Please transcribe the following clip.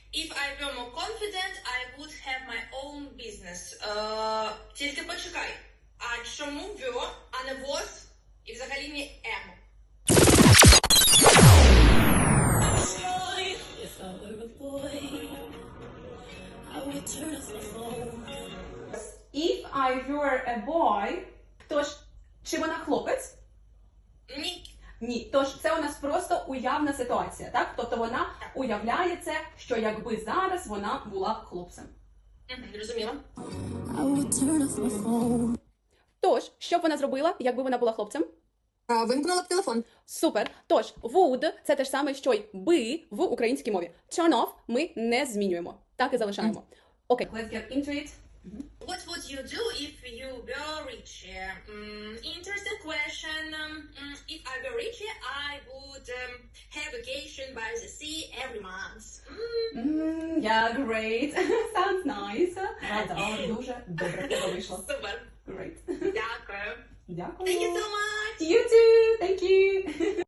If I were more confident, I would have my own business. Тільки почекай. А чому were, а не was? І взагалі не am? If I were a boy, I would turn off the phone. If I were a boy, тож, чи вона хлопець? Ні. Ні. Тож, це у нас просто уявна ситуація, так? Тобто вона уявляє це, що якби зараз вона була хлопцем. Зрозуміла. I would turn off my phone. Тож, що б вона зробила, якби вона була хлопцем? Вимкнула б телефон. Супер. Тож, would – це те ж саме, що й би в українській мові. Turn off ми не змінюємо. Так і залишаємо. Окей. Let's get into it. What would you do if you were rich? Interesting question. If I were rich, I would have vacation by the sea every month. Yeah, great. Sounds nice. Рада, дуже добре в тебе вийшло. Супер. Great. Дякую. Дякую. Thank you so much. You too. Thank you.